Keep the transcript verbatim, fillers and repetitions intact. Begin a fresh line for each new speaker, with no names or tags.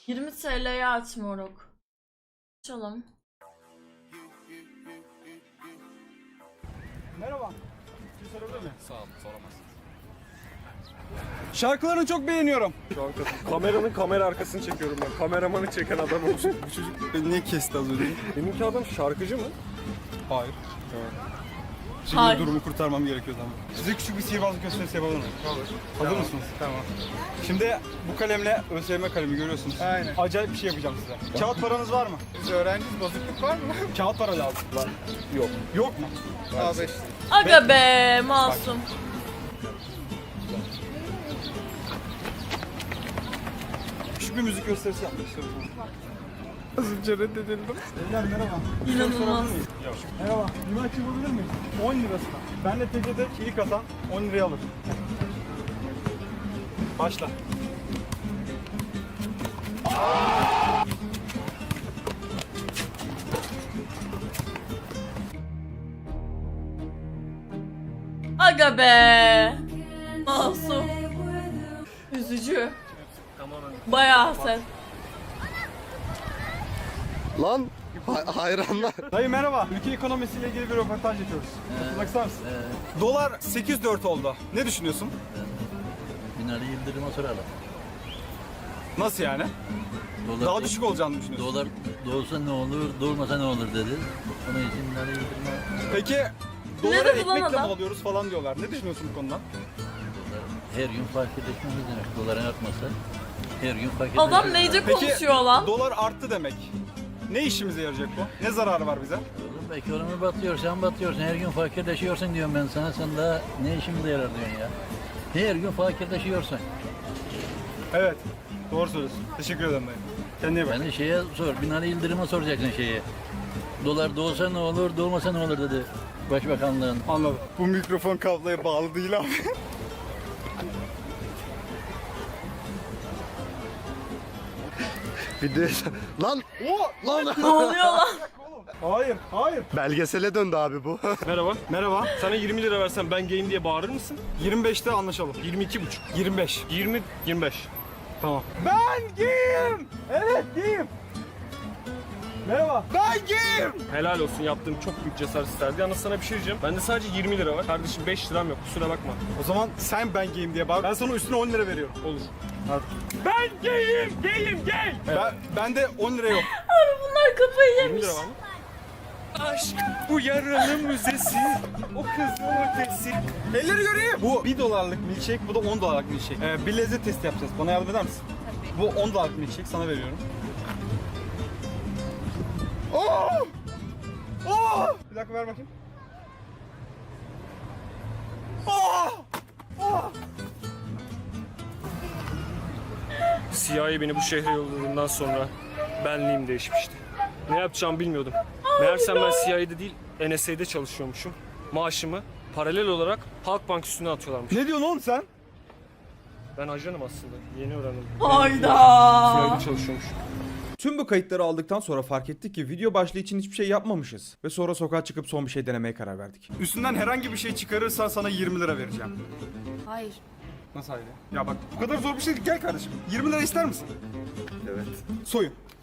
yirmi T L'ye aç moruk. Açalım.
Merhaba. Bir sorabilir miyim?
Sağ ol, soramazsın.
Şarkılarını çok beğeniyorum.
Şu an kameranın kamera arkasını çekiyorum ben. Kameramanı çeken adam olsun. Bu çocuk
Beni niye kesti az önce?
benimki adam şarkıcı mı?
Hayır. Şimdi
Hayır.
durumu kurtarmam gerekiyor zaman. Size küçük bir sihirbazlık gösterisi yapalım mı?
Olur.
Hazır
Tamam.
mısınız? Tamam. Şimdi bu kalemle ÖSYM kalemi görüyorsunuz.
Aynen.
Acayip bir şey yapacağım size. Kağıt paranız var mı?
Biz öğrenciyiz, bozukluk var mı?
Kağıt para lazım. Var.
Yok.
Yok mu?
A beş.
Aga be masum.
Küçük bir müzik gösterisi yapmak istiyorum.
Az önce reddedildim.
Beyler merhaba.
İnanılmaz.
Merhaba. Bir maç yapabilir miyiz? on lirasına. Ben de T C'de ilk atan on liraya alır. Başla.
Aga be. Masum. Üzücü. Bayağı sen.
Lan hay- hayranlar.
Dayı merhaba. Ülke ekonomisiyle ilgili bir röportaj yapıyoruz. Katılmak ister misin? Dolar sekiz dört oldu. Ne düşünüyorsun?
Binali Yıldırım'a soralım.
Nasıl yani?
Dolar,
Daha düşük olacağını düşünüyorsun.
Dolar doğsa ne olur, doğmasa ne olur dedi. Onun için Binali Yıldırım'a
Peki dolara
dedi lan
ekmekle mi
adam?
alıyoruz falan diyorlar. Ne düşünüyorsun bu konuda?
dolar her gün fark edilmemiz demek. Doların artmasa her gün fark edilmemiz.
Adam neyce konuşuyor lan?
Dolar arttı demek. Ne işimize yarayacak bu? Ne zararı var bize?
Oğlum ekonomi batıyor, sen batıyorsun. Her gün fakirleşiyorsun diyorum ben sana. Sen daha ne işimize yarar diyorsun ya. Her gün fakirleşiyorsun.
Evet. Doğru söylüyorsun. Teşekkür ederim dayı. Kendine iyi bak.
Yani şeye sor, Binali Yıldırım'a soracaksın şeyi. Dolar doğsa ne olur, doğmasa ne olur dedi. Başbakanlığın.
Anladım. Bu mikrofon kabloya bağlı değil abi.
Video lan
Oo!
lan
Ne oluyor lan?
Hayır, hayır.
belgesele döndü abi bu.
Merhaba.
Merhaba.
Sana yirmi lira versem ben gayim diye bağırır mısın?
yirmi beşte anlaşalım.
yirmi iki buçuk.
yirmi beş.
yirmi, yirmi beş.
Tamam. Ben giyim. Evet giyim. Merhaba. Ben giyim.
Helal olsun, yaptığın çok büyük cesaret isterdi. Yalnız sana bir şey diyeceğim. Bende sadece yirmi lira var. Kardeşim beş liram yok, kusura bakma.
O zaman sen ben giyim diye bağır. Ben sana üstüne on lira veriyorum.
Olur.
Hadi.
Ben gayim, gayim, gay.
Ben, ben de on lira yok.
Abi bunlar kafayı
yirmi
yemiş.
lira var mı? Aşk bu yaranın müzesi, o kızın ötesi.
Elleri göreyim. Bu bir dolarlık milkshake, bu da on dolarlık milkshake. Ee, bir lezzet testi yapacağız. Bana yardım eder misin? Bu on dolarlık milkshake sana veriyorum. Oo! Oo! Bir dakika ver bakayım. Oo! Oo!
C I A beni bu şehre yolladığından sonra benliğim değişmişti. Ne yapacağımı bilmiyordum. Meğersem ben C I A'de değil N S A'de çalışıyormuşum. Maaşımı paralel olarak Halkbank üstüne atıyorlarmış.
Ne diyorsun oğlum sen?
Ben ajanım aslında. Yeni öğrendim.
Hayda.
C I A'de çalışıyormuş.
Tüm bu kayıtları aldıktan sonra fark ettik ki video başlığı için hiçbir şey yapmamışız. Ve sonra sokağa çıkıp son bir şey denemeye karar verdik.
Üstünden herhangi bir şey çıkarırsan sana yirmi lira vereceğim.
Hayır.
Nasıl hayır? Ya bak bu kadar zor bir şey değil. Gel kardeşim. yirmi lira ister misin?
Evet.
Soyun.